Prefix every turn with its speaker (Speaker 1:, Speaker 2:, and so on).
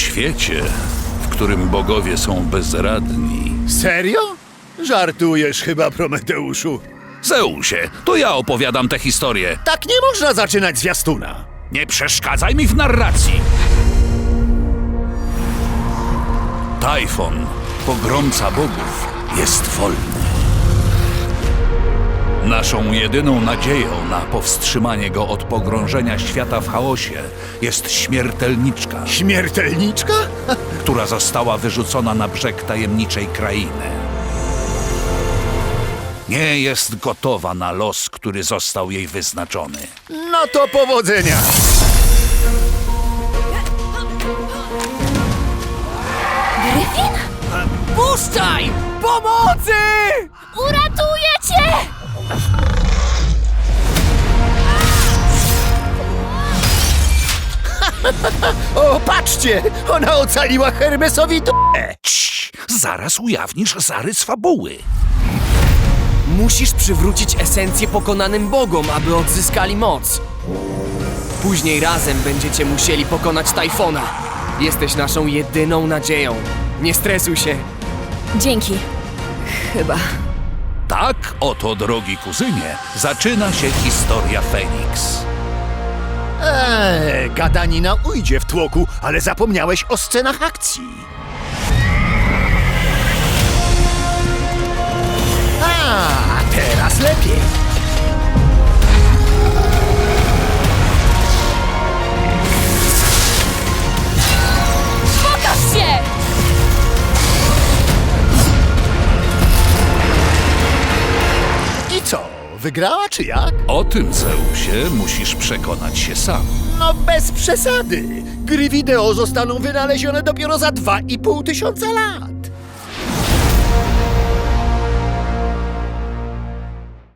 Speaker 1: świecie, w którym bogowie są bezradni.
Speaker 2: Serio? Żartujesz chyba, Prometeuszu.
Speaker 1: Zeusie, to ja opowiadam tę historię.
Speaker 2: Tak nie można zaczynać zwiastuna.
Speaker 1: Nie przeszkadzaj mi w narracji! Tajfon, pogromca bogów, jest wolny. Naszą jedyną nadzieją na powstrzymanie go od pogrążenia świata w chaosie jest śmiertelniczka,
Speaker 2: Śmiertelniczka?
Speaker 1: która została wyrzucona na brzeg tajemniczej krainy. Nie jest gotowa na los, który został jej wyznaczony.
Speaker 2: No to powodzenia.
Speaker 3: Gryfin?
Speaker 4: Puszczaj! Pomocy!
Speaker 3: Uratuję cię!
Speaker 2: O, patrzcie! Ona ocaliła Hermesowi d***ę.
Speaker 1: Cii, zaraz ujawnisz zarys fabuły.
Speaker 4: Musisz przywrócić esencję pokonanym bogom, aby odzyskali moc. Później razem będziecie musieli pokonać Tajfona. Jesteś naszą jedyną nadzieją. Nie stresuj się.
Speaker 3: Dzięki. Chyba.
Speaker 1: Tak oto, drogi kuzynie, zaczyna się historia Feniks.
Speaker 2: Gadanina ujdzie w tłoku, ale zapomniałeś o scenach akcji. A teraz lepiej.
Speaker 3: Pokaż się!
Speaker 2: I co? Wygrała czy jak?
Speaker 1: O tym, Zeusie, musisz przekonać się sam.
Speaker 2: No bez przesady. Gry wideo zostaną wynalezione dopiero za 2500 lat.